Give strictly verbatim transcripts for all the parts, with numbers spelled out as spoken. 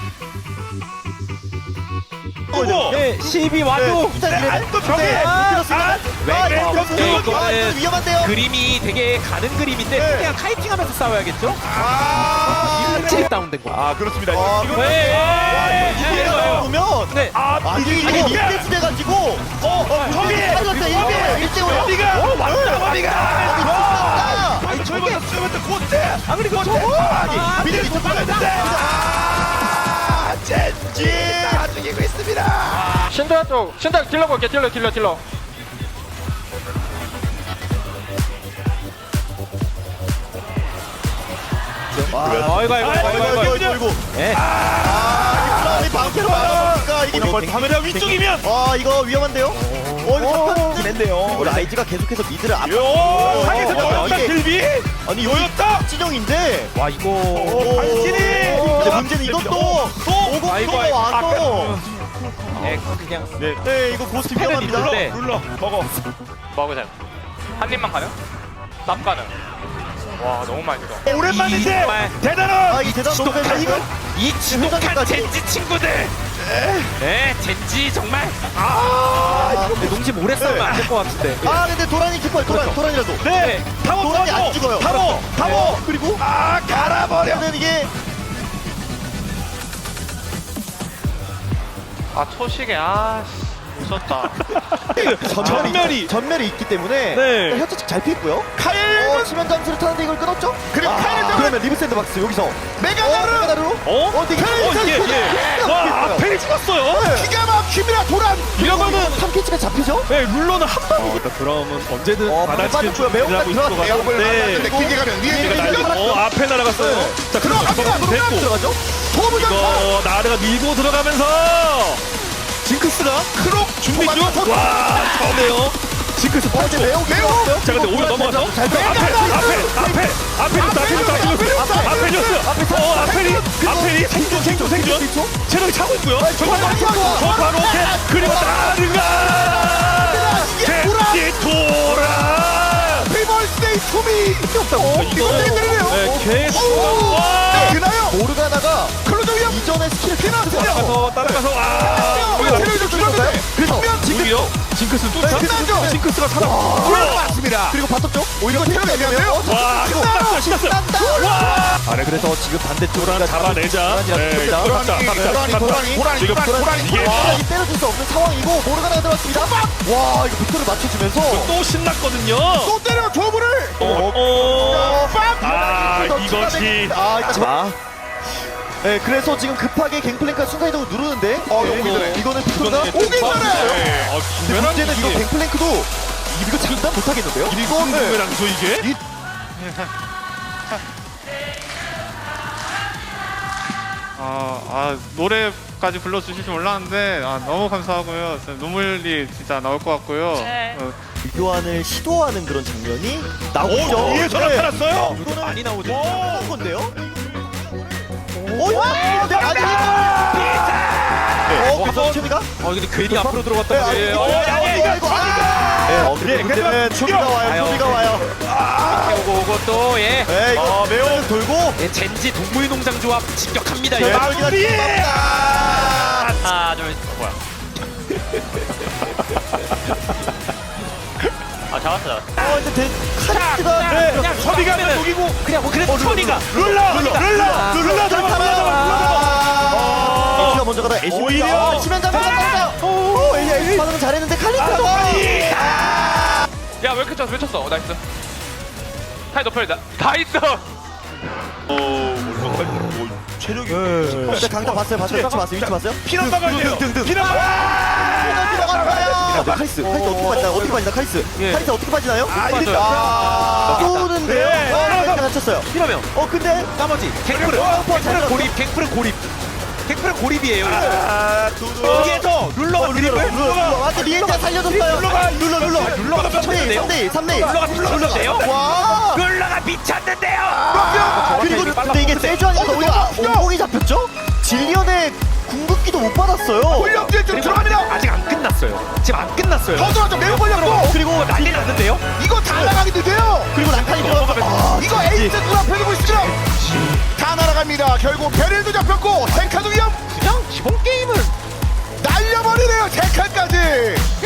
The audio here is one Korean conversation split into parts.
네, 십이 와도 또 벽에 이거는 위험한데요. 그림이 되게 가는 그림인데 네. 그냥 카이팅하면서 싸워야겠죠? 아, 확실히 다운된 거. 아 그렇습니다. 아, 이거 네. 이게 이거예요. 보면 네. 아 아니 이거 이게 인베스 돼가지고 어 저기 일 대 오요. 어디가 왔다 어디가 아, 아니 저거 쓰면 또 고대 아 그리고 저거 아니 미리 좀 받았는데 아 젠지 다 죽이고 있습니다. 신도야 쪽 신도 딜러 볼게 딜러 딜러 딜러 아이고 아이고 아이고 아이고 아이고 아이고. 예. 아, 이 방패로 막아보니까 이게 이거 카메라 위쪽이면 아 이거 위험한데요. 어 이거 잡혔긴 했네요. 어, 라이즈가 계속해서 미드를 앞. 요 상에서 어, 넣었다 이게- 딜비 아니 요였다. 찐영인데. 와 이거 오 당신이 근데 문제는 이것도 오고 아이고, 프로가 아이고. 와서. 예, 그냥 네 네 이거 고스트 패는 위험합니다. 있는데. 눌러 먹어. 먹으세요 한 입만 가능? 납 가능 와 너무 많이 들어 오랜만인데 정말. 대단한 아이 대단 너무 지독한 잘 이거 이 지독한 회장님까지. 젠지 친구들. 네, 젠지 정말 아 네, 농심 오래 싸우면 안 될 것 같은데. 아 근데 도란이 기뻐요. 도란 도란이라도. 네 타워 도란이 안 타워 죽어요. 타워 타워 그리고 아 갈아버려. 근데 이게 아 초식에 아씨 무섭다 전멸이. 전멸이 있기 때문에 네. 혀차측 잘 피했고요. 카일 어, 치면 점수를 타는데 이걸 끊었죠? 그리고 아, 카일은 그러면 리브 샌드박스 여기서 메가나르! 어, 메가나르로? 어? 어, 되게 어, 예, 예. 와, 앞에 찍었어요. 기가 막힙니다, 도란. 이러면은 삼 캐치가 잡히죠? 네, 룰러는 한 방. 일단 그러면 언제든 어, 받아치는 매운맛 들어갔어요. 네. 길게 가면 위에 날리고, 어, 앞에 날아갔어요. 네. 자, 그럼 들어갑니다. 됐고. 들어가죠? 도무 이거 나르가 밀고 들어가면서 징크스가 크록 준비 중. 와, 좋네요. 징크스 어, 이제 매우 매우 자, 근데 오히려 넘어가서 잘 앞에, 앞에, 앞에, 앞에 줬다, 앞에 줬다, 앞에 앞에 줬어. 어, 앞에리, 앞에리 생존, 생존, 생존. 체력이 차고 있고요. 저 바로 오케이. 그리고 나르가 젠지 도라. 피벌스데이 투미 없다고 이거 네, 계속 와. 그나요? 모르가나가 클로저 위험 이전에 스킬을 피났어요. 따라가서 따라가서 아. 우리가 체력이 좀 줄었는데 그래서 오히려 징크스 또 끝나죠? 징크스가 살아. 맞습니다. 그리고 바텀 쪽 오히려 체력이 애매해요. 와, 이거 끝났어, 신났어. 와. 아, 네, 그래서 지금 반대쪽으로 잡아내자. 네, 도란이, 갔다, 갔다, 도란이, 갔다. 도란이, 도란이, 지금 도란이, 이게 도란이 때려줄 수 없는 상황이고 모르가나가 들어왔습니다. 와, 이거 빅토를 맞춰주면서 또 신났거든요. 또 때려 조물을. 어, 어. 아, 이것이. 아, 자. 네, 그래서 지금 급하게 갱플랭크가 순간이동을 누르는데 어, 네. 이거는 빅토가 오긴 네. 전에 어, 근데 문제는 이거 갱플랭크도 이거 장담 못하겠는데요? 이거 부메랑죠 이게? 아, 아 노래까지 불러주실 줄 몰랐는데 아, 너무 감사하고요. 진짜 눈물이 진짜 나올 것 같고요. 어, 교환을 시도하는 그런 장면이 오, 나오죠. 위에 전화 팔았어요? 이거는 많이 나오죠. 오, 건데요? 오, 네, 아니. 어, 그래서 채미가? 어 근데 괜히 앞으로 들어갔다. 네, 예, 어, 어, 양이가 이거 아. 네, 어, 근데 예, 문제는 그래도 초비가 와요. 아유, 초비가 와요. 오고 오고 또 예. 네, 이거 매우 돌고. 예, 젠지 동물농장 조합 진격합니다. 예, 이거. 마무리. 하나 둘 뭐야 아 잡았어 잡았어 어, 근데 대, 카리스가 네, 그냥 서비가 그러면은 녹이고 그냥 뭐 그래도 천이가 룰라 룰라 룰라 룰라 잡아 잡아 잡아. 에이스가 먼저 가다 에이스 오히려. 치면 잡았다. 오, 에이스 에이스 반응은 잘했는데 칼리스가 야왜 이렇게 쳤어 왜 쳤어 어, 나이스 타이 높여 다, 다 있어 체력이 근데 강타 봤어요, 봤어요, 위치 봤어요, 위치 봤어요? 피난 막아야 돼요. 피난 들어갔어요. 카리스, 카리스 어떻게 빠지나? 어떻게 빠지나? 카리스, 예. 카리스 어떻게 빠지나요? 아, 아, 일단 쏘는데요. 네. 어, 카리스가 다쳤어요. 이러면 어, 근데 나머지 갱플은 어, 갱플은 고립, 갱플은 고립, 갱플은 고립이에요. 아, 두두. 여기에서 룰러가 드립을 룰러, 룰러, 맞다, 리엔자 살려줬어요. 룰러가 룰러, 룰러, 룰러가 삼 대 일, 미쳤는데요? 삼 대 일, 삼 대 일. 룰러가 미쳤는데요? 와. 룰러가 미쳤는데요. 그리고 근데 이게 세주안에서 우리가 옹공이 잡혔죠? 질리언의 궁극기도 못 받았어요. 훈련기에 좀 들어갑니다. 아직 안 끝났어요. 지금 안 끝났어요. 더 들어가죠. 매우 걸렸고. 그리고 난리 났는데요. 이거 다 나가겠는데요. 그리고 난칸이 들어가서 아, 이거 에이스 누가 펴두고 있죠. 다 날아갑니다. 결국 베릴도 잡혔고 탱카도 위험.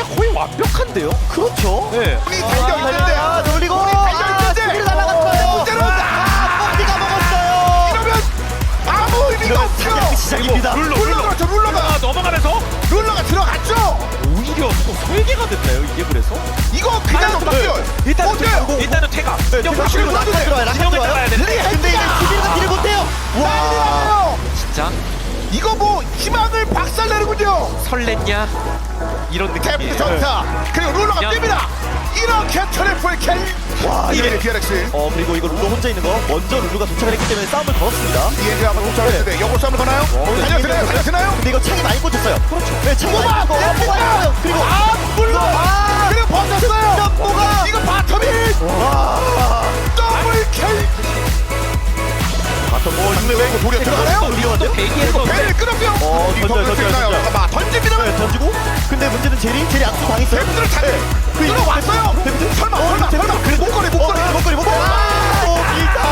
그냥 거의 완벽한데요? 그렇죠. 네. 우리 달려 있는데 아, 놀리고 달려 있는데 스피드 날아갔어요. 문제는 아, 뽕디가 먹었어요. 이러면 아무 의미가 이러면 없죠. 사냥 시작입니다. 룰러 룰러가 저 룰러가 아, 넘어가면서 룰러가 들어갔죠. 오히려 또 설계가 됐나요 이게 그래서? 이거 그냥 넘겨요. 일단 어때요? 일단은 퇴각. 네, 영 확실히 확실히 낙하 들어와요. 낙하 진영을 들어와요. 잡아야 되는데. 근데 이제 수비가 딜을 못해요. 와 진짜 이거 뭐 희망을 박살내는군요. 설렜냐? 이런 데프트 느낌이에요. 전타 그리고 룰러가 그냥- 뜹니다. 이렇게 트리플 킬. 와 이게 디알엑스. 어 그리고 이거 룰루 혼자 있는 거 먼저 룰루가 도착을 했기 때문에 싸움을 걸었습니다. 이엔지 한번 도착했는데 영어 싸움을 거나요? 달려드나요? 달려드나요? 근데 이거 창이 많이 꽂혔어요. 그렇죠. 네, 창이 뽑아! 많이 꽂고 뽑아! 뽑아요. 그리고 아 물러. 아, 그리고 버텼어요. 뭐가? 이거 바텀이 와. 더블 킬. 바텀 뭐 근데 왜 이거 돌에 들어가나요? 위험한데요? 대기에서 배를 끊었고요. 어, 이 던져요, 던질 수 던져요, 있나요? 던져요. 잠깐만 던집니다. 네, 던지고. 근데 문제는 제리, 제리 악수 당했어요. 데프트를 차. 그 들어왔어요. 데프트? 설마 어, 설마 데프트? 설마. 목걸이 목걸이 어, 목걸이 목걸이. 아, 오,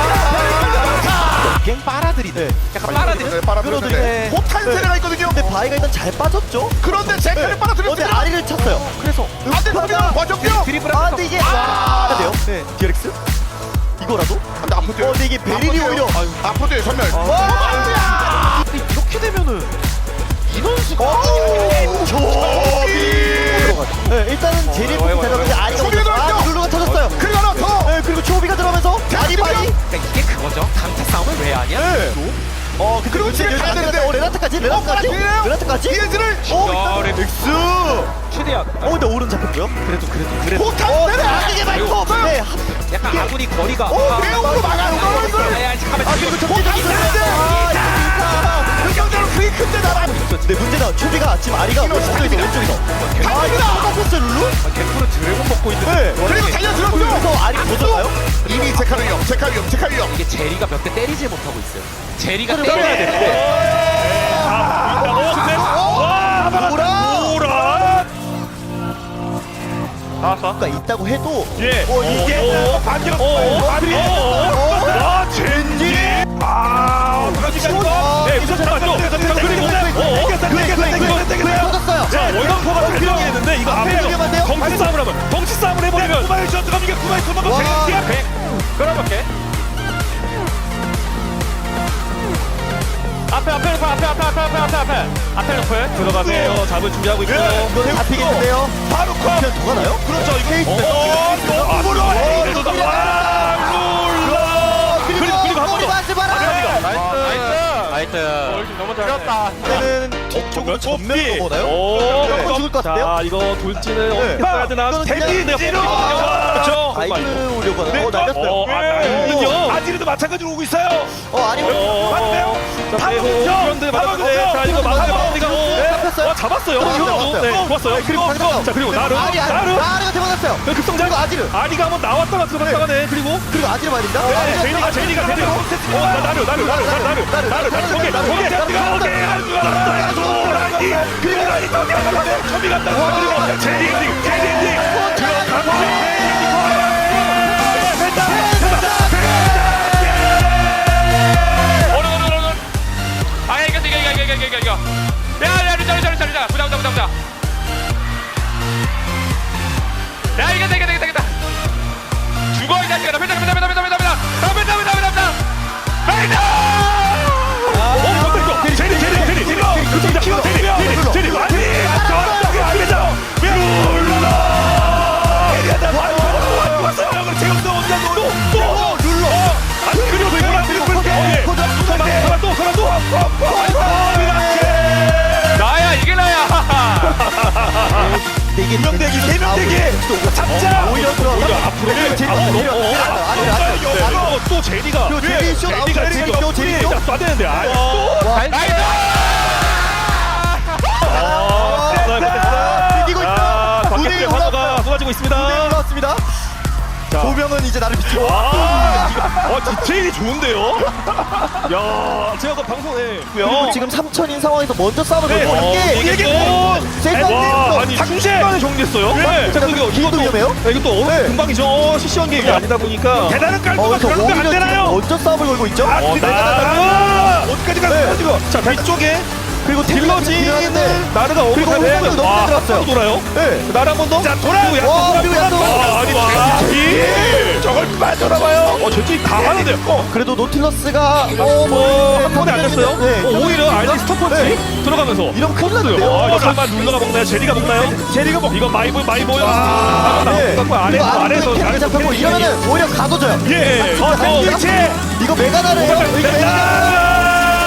자. 갱 빨아들이네. 약간 빨아들이. 네, 빨아들이는데 끌어들이네. 호탄 세례가 있거든요. 근데 바이가 일단 잘 빠졌죠? 그런데 제카를 어, 빨아들였습니다. 근데 아리를 찼어요. 그래서 안돼 터미널 버텼고요. 드리블하면서 아, 근데 이게 와. 돼요? 네, 디렉스? 이거라도? 안돼 아프죠. 어, 근데 이게 베릴이 오히려 아프죠 전멸. 와! 근데 이렇게 되면은 인원수가 오, 저기! 네, 일단은 제리 어, 부터 데려가는데 아리가 초비가 먼저- 아, 들어왔죠? 룰루가 터졌어요. 그리고 하나 더. 네, 그리고 초비가 들어가면서 아리바이. 그러니까 이게 그거죠. 강타 싸움을 왜 하냐? 네. 어, 근데 그리고 문제는 지금 가야 여기까지 되는데. 어, 레나타까지, 레나타까지, 어, 맞아요. 레나타까지. 이엔지를 어, 야, 엑스. 최대한 어, 근데 오른 잡혔고요. 그래도 그래도 그래도 호탄 어, 세례. 아, 이게 말고. 네, 약간 아군이 거리가 오 배우로 막아요. 이걸. 야, 가만 아, 그리고 접촉이 있었는데. 그 경기는 크게 큰데 나라. 근데 문제는 초비가 지금 아리가 왼쪽에서 왼쪽에서. 아, 이거 똑같았어요, 룰루? 개프로 드래곤 먹고 있는 네. 그리고 달려들었죠. 그래서 아리가 못 잡아요? 이미 제카를 위험, 제카 위험, 제카 위험. 이게 제리가 몇 대 때리지 못하고 있어요. 제리가 그래, 때려야 그래. 되는데 아 보인다고 근데 와 뭐라? 뭐라 나왔어 가 있다고 해도 예 어, 이게 반격 어, 반격 아 젠지 아 어떡하지 아, 이거 네 우선 잡았죠 그리고 어 터졌어요. 자 월광포가 들어가게 됐는데 이거 앞에 앞에 위험한데요? 덩치 싸움을 하면 덩치 싸움을 해버리면 구마의 전 들어가면 이게 구마의 손만 와. 백 백 끌어볼게. 앞에 앞에 앞에 앞에 앞에 앞에 앞에 앞에 앞에 높을. 들어가세요 잡을 준비하고 있고요 이거 잡히겠는데요? 바로 컷 그냥 더 가나요? 그렇죠 이거 케이스. 어 너무로 그래도 와 룰라 그리고 그리고 한번 더 맞지 마라. 나이스. 나이스. 너무 잘했다. 이때는 뒤쪽으로 전면으로 보나요? 오, 네. 죽을 것 같은데요? 자, 이거 돌진을 어떻게 네. 써야 되나? 이거는 대기 그냥- 내가 그렇죠. 아이들을 오려고 하나? 어, 어, 날렸어요. 아, 날렸군요. 아지르도 마찬가지로 오고 있어요. 어, 아니, 어, 맞네요. 자, 빼고 그런데 맞았는데 자, 이거 막내 막내가 잡혔어요. 어, 잡았어요. 잡았어요. 이거 네, 좋았어요. 그리고 방금 자, 그리고 나르, 아리, 아리, 나르. 아리가 대박났어요. 그 급성장. 그리고 아지르. 아리가 한번 나왔다가 들어갔다가네. 그리고 그리고 아지르 말입니다. 네, 아리가 제니가 제니가 제니가 어, 나 나르 나르 나르 나르 나르 나르 나르 오케이 오케이 오케이 나르 도라니 그리고 나니 또 내가 초비 간다. 그리고 제니 엔딩 제니 엔딩 들어가고 오른 오른 오른 오른. 아 이거 이거 이거 이거 이거 이거. 야야 루자 루자 루자 루자. 부자 부자 부자 부자. 야 이거 이거 이거 이거. 죽어 이 자식아. 나 펜다 펜다 펜다 펜다 펜다 펜다. 나 펜다 펜다 펜다 펜다. 펜다. 어, 잠깐 이거 제니 제니 제니 제니 급성장 제니 제니 제니 아니 저기 아니죠 룰라 얘기하다 왔어 왔어요 그럼 제우스 온다 또또 룰라 아니 그리고 이거랑 그리고 그렇게 예 설마 또 설마 또 나야 이게 나야. 근데 이게 명대기 세 명대기 잡자 오히려 들어. 오히려 앞으로 네, 제니 아, 내려. 어, 어, 아리, 아리, 아리. 아, 또 제니가 그리고 제니 쇼 나오죠. 제니가 제니 지금 쇼, 제니 쇼. 쏴야 되는데 아 또? 와, 나이스. 어, 됐어요, 됐어요. 이기고 있어. 아, 무대에 박격대 환호가 올라왔어요. 쏟아지고 있습니다. 무대에 올라왔습니다. 자. 조명은 이제 나를 비추고. 아, 어, 디테일이 좋은데요? 야, 제가 그 방송에 그리고 지금 삼천인 상황에서 먼저 싸움을 네, 걸고 어, 이게 이게 이게 뭐 세상에 와, 아니 순식간에 정리했어요. 네. 자, 그리고 이것도 위험해요? 네, 이것도 어느 네. 금방이죠. 어, 시시한 게 아니다 보니까 대단한 어, 깔끔한 그래서 그런 거안 오히려 지금 되나요? 먼저 싸움을 걸고 있죠. 아, 어, 나 어디까지 네. 가서 지금 자, 뒤쪽에 그리고 딜러지는 나르가 오고 그리고 가네. 호흡이 너무 아, 들어갔어요. 한번 돌아요. 네. 나르 한 번 더. 자, 돌아요. 그리고 와, 약간 그리고 약간 와, 아니 와. 딜. 저걸 빠져나가요. 어, 저쪽이 다 하는데요. 어. 그래도 노틸러스가 어, 어, 한 번에 안 됐어요? 네. 어, 오히려 알리 스톱펀치 네. 들어가면서 이러면 큰일 어, 났는데요. 이거 설마 룰러가 먹나요? 제리가 먹나요? 제리가 먹. 이거 마이보 마이보요. 아, 네. 나고 아래서 그리고 아래서 아래서 아래서 잡혔고 이러면은 오히려 가둬져요. 예. 어, 어, 그렇지. 이거 메가나르예요. 이거 메가나르.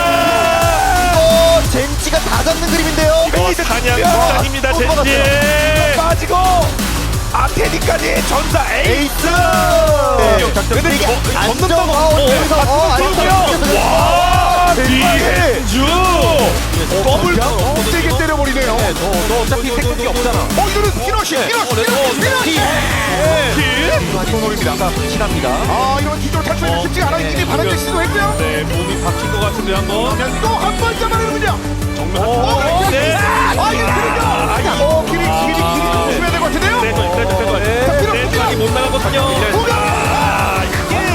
이거 젠지가 다 잡는 그림인데요. 어, 사냥 장입니다, 또 젠지. 빠지고 아테니까지 전사 에이스. 네. 근데 이게 안정화원 여기서 어 아니요. 와, 비엔주. 더블 세게 때려버리네요. 너 어차피 생각이 없잖아. 어 이거는 히로시 히로시 히로시 킬. 노립니다. 확실합니다. 아 이런 기존 탈출이 쉽지 않아. 이미 바람질 시도했고요. 네, 몸이 바뀐 것 같은데 한번. 그러면 또 한 번 잡아내는군요. 정면 어, 한 번. 네. 아 이거 길이죠. 어 길이 길이 길이 조심해야 될 것 같은데요. 네, 저 이까지 뺀 거예요. 네, 저기 못 나가거든요. 아,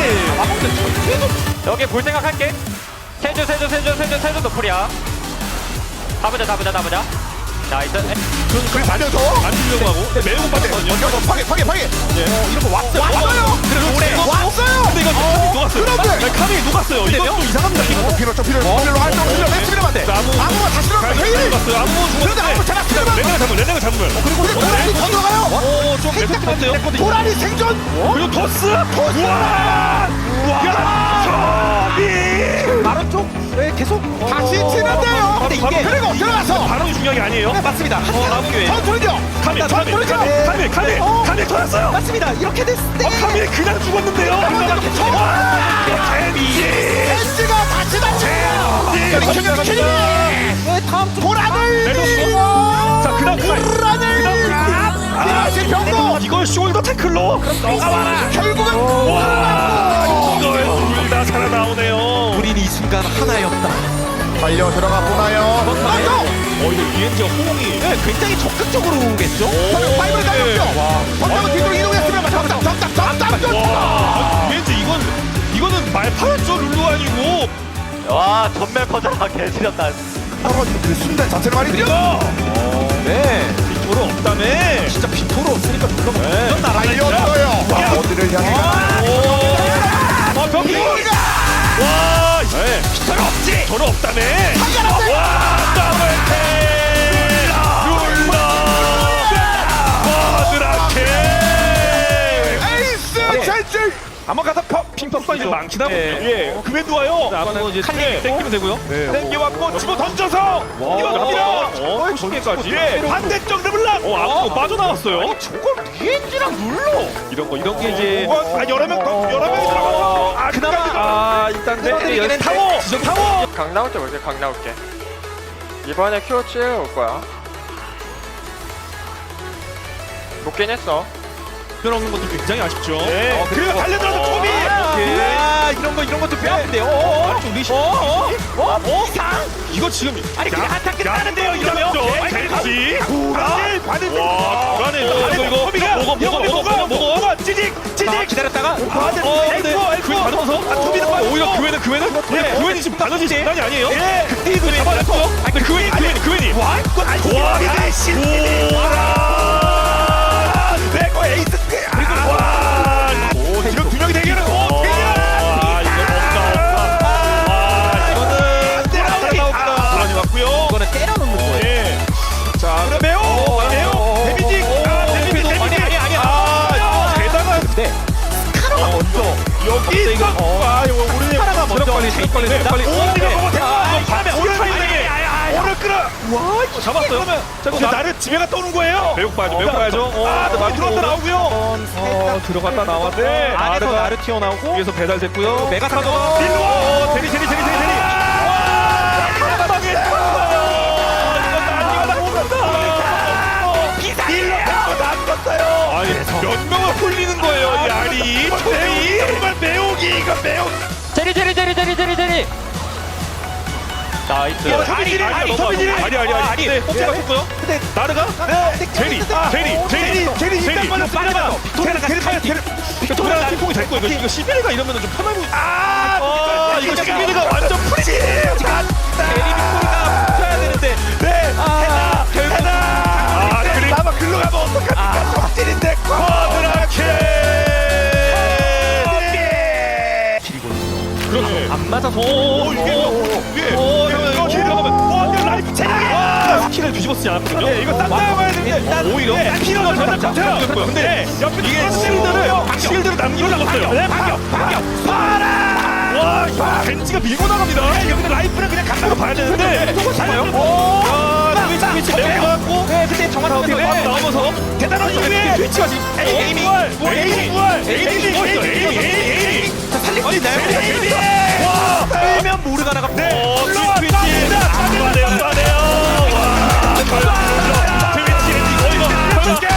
이게. 여기 볼 생각할게. 세주 세주 세주 세주 세주 노플이야. 가보자 가보자 가보자. 나이스. 그걸 살려서 안 주려고 하고. 네, 매우 빠졌거든요. 먼저 파괴 파괴 파괴. 어 이런 거 왔어요. 왔어요. 그래도 오래. 왔어요. 근데 이거 카밀이 녹았어요. 그런데! 네, 카밀이 녹았어요. 이거 좀 이상합니다. 이거. 피로 좀 피로 필요로 할때 필요 냈으면 돼. 아무 아무가 다시 들어가. 카밀이 헤이. 녹았어요. 아무 그런데 아무 잘 죽었는데. 레네가 잡으면 레네가 잡으면. 그리고 도란이 더 들어가요. 오, 좀 매섭한데요. 도란이 생존. 그리고 토스. 우와. 우와. 카밀. 바로 쪽 네, 계속 다시 치는데요. 근데 이게- 그리고 들어가서 바로 중요한 게 아니에요. 네, 맞습니다. 어, 나무 기회. 전투죠. 카밀, 카밀, 전투죠. 카밀, 카밀, 어? 카밀 터졌어요. 맞습니다. 이렇게 됐을 때 어, 카밀 그냥 죽었는데요. 와, 젠지. 벤츠가 다시 다시. 네, 다음 쪽 도란을. 내렸어. 자, 그다음 그다음. 도란을. 아, 피니시 병도. 이걸 숄더 태클로. 그럼 너가 와라. 결국은 와, 이걸 둘다 살아나오네요. 우린 이 순간 하나였다. 달려 들어가 보나요? 맞죠? 어, 이거 비엔지가 호응이. 네, 굉장히 적극적으로 오겠죠. 저는 파이브를 달렸죠. 와. 번쩍은 뒤로 이동했으면 잡다 잡다 잡다 와, 비엔지 이건 이거는 말파였죠. 룰루 아니고. 와 전멸 커져라 개지렸다. 떨어지는 그 순간 자체를 말이죠. 네. 빅토르 없다며. 진짜 빅토르 없으니까 물론 네. 달렸어요. 와 어디를 향해 가나? 오. 아, 벽이. 와, 네. 빅토르 없지. 빅토르 없다며. 와, 더블ቴ. 룰러. 버드라케. 에이스 찰질. 한번 가서 퍽 핑퐁 빠지죠. 망치다 보면 예. 그맨 와요. 한번 이제 칼리 땡기면 되고요. 땡겨왔고 집어 던져서 이거 갑니다. 어, 거기까지. 예. 반대쪽 르블랑. 어, 아무도 빠져나왔어요. 저걸 비엔지랑 룰러. 이런 거 이런 게 이제 아 여러 명 더, 여러 명이 들어가서 아 그나마 아 일단 네 타워 지점 타워. 강 나올 때 볼게. 강 나올게. 이번에 큐오 칠 올 거야. 높긴 했어. 들어오는 것도 굉장히 아쉽죠. 네. 어, 그리고 달려들어서 초비. 아, 이런 거 이런 것도 배웠는데요. 어, 어, 리시. 어, 어, 어, 어, 이상. 이거 지금 아니 그냥 한타 끝나는데요. 이러면. 젠지 불안해 받을 와 불안해 이거 이거 먹어 먹어 먹어 먹어 먹어 찌직 자, 찌직 기다렸다가 아 근데 교회 받으면서 아 투비는 빠 오히려 교회는 교회는 예 교회는 지금 나눠지 장난이 아니에요 예 그때 이거 잡아냈어요 아니 근데 교회니 교회니 교회니 와 이거 와 아이씨 오라 내거 에이스 그리고 와오 이런 두 명이 대결은 오 대결 아 이거 없다 없다 아 이거는 따라오기 불안이 왔고요 이거는 때려놓는 거예요. 예. 자, 그럼 매우 매우 데미지 아 데미지 데미지 아니, 아니, 아니. 아 대단한 네. 스카노가 먼저 여기 있어 아 이거 우리 스카노가 먼저 빨리 차 빨리 있습니다. 빨리 오늘 먹어 아, 대박 밤에 오늘 타이밍에 오늘 끌어 와 이거 잡았어요 자 나를 집에 갔다 오는 거예요 매우 빠져 매우 빠져 아 들어갔다 나오고요 어 들어갔다 나왔네 안에서 나르 튀어나오고 위에서 배달됐고요 메가 타고 일로 제리 제리 제리 제리 제리 아니 몇 명을 홀리는 거예요 이 알이 초대이 정말 매우기 이거 매우 제리 제리 제리 제리 제리 제리. 나이스. 아니 아니 아니 아니 아니 아니 네 뽑자 바꿨고요 근데 나르가 제리 제리 제리 제리 제리 빨리 빨리 빅토리아가 제리 빅토리아가 팀통이 될 거예요 이거 시비르가 이러면 좀 편하고 아 이거 시비르가 완전 프리지 제리 빅토리가 붙여야 되는데 오 이게 위에 오 이거 들어가면 와 이거 라이프 체력이 스킬을 뒤집어쓰지 않았거든요. 네 이거 딱 나와야 되는데 오히려 피너가 더 잡혀요. 근데 옆에 이게 실드를 실드를 남기고 나갔어요. 네 반격 반격 봐라. 와 이거 벤치가 밀고 나갑니다. 여기서 라이프는 그냥 간다고 봐야 되는데 또 잡아요. 오 위치 위치 내려가고 네 근데 정말 어떻게 나오면서 대단한 위에 위치가 지금 에이밍 에이밍 에이밍 에이밍 에이밍 살리고 있나요? 와 빼면 모르가나가 네 트위치 안 가네요 안 가네요 와 트위치 이거 이거 결국에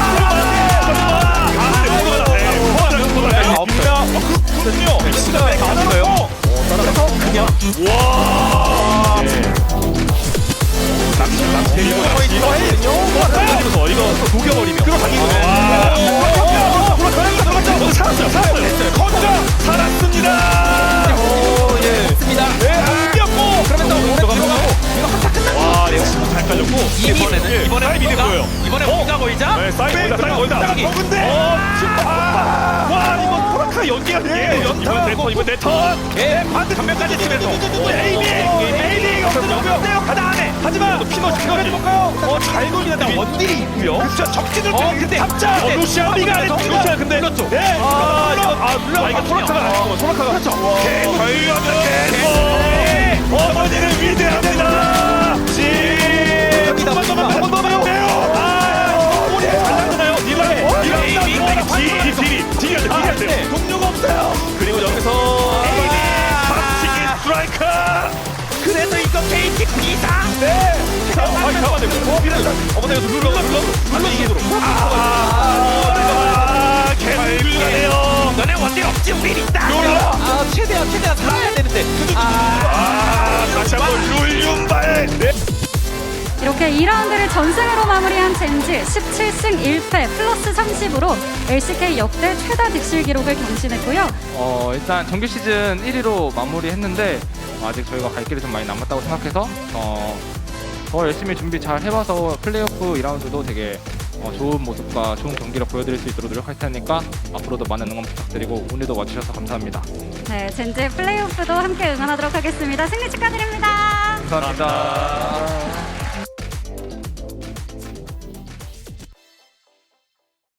그렇군요. 배치가 가능해요. 따라서 그냥 와. 낚시 낚시 이거 이거 해요. 이거 녹여버리면. 그럼 당기거든요. 살았어요. 살았어요. 건져 살았습니다. 오 예. 습니다. 네. 안겼고. 그러면 또 들어가고. 이거 한타 끝났고. 와 역시 잘 깔렸고. 이번에는 이번에 뭔가 보이자. 이번에 보이자 보이자. 네 사이드 보이자 보이자. 먹은데. 와 이거 포라카 연기가 돼. 연타 이번 이번 내 턴. 예 반대 전면까지 치면서. 에이밍 에이밍 없어요. 가다 안에. 하지만 피너 피너 해볼까요? 어잘 돌리는데 원딜이 있고요. 그렇죠. 적진을 어 근데 합자. 어 루시아 리가 루시아 근데 그렇죠. 네. 아 이거 아 물론 아 이거 포라카가 아니고 포라카가 그렇죠. 계속 저희하면 계속 어머니는 위대합니다. 지. 한번 더 한번 더 해요. 아 우리 잘 나잖아요. 니가 니가 딜이 딜이 딜이 안 돼. 딜이 안 돼. 동료가 없어요. 그리고 여기서 박치기 스트라이커. 그래서 이거 케이티 이상. 네. 아 잠깐만요. 어 미란다. 어머나 이거 눌러 눌러 눌러 이게 들어. 아 개불가네요. 너네 원딜 없지 우리 있다. 아 최대한 최대한 살아야 되는데. 아 다시 한번 룰윤발. 네. 이렇게 이 라운드를 전승으로 마무리한 젠지 십칠 승 일 패 플러스 삼십으로 엘씨케이 역대 최다 득실 기록을 경신했고요. 어 일단 정규 시즌 일 위로 마무리했는데 아직 저희가 갈 길이 좀 많이 남았다고 생각해서 어, 더 열심히 준비 잘 해봐서 플레이오프 이 라운드도 되게 어, 좋은 모습과 좋은 경기를 보여드릴 수 있도록 노력할 테니까 앞으로도 많은 응원 부탁드리고 오늘도 와주셔서 감사합니다. 네, 젠지 플레이오프도 함께 응원하도록 하겠습니다. 승리 축하드립니다. 감사합니다.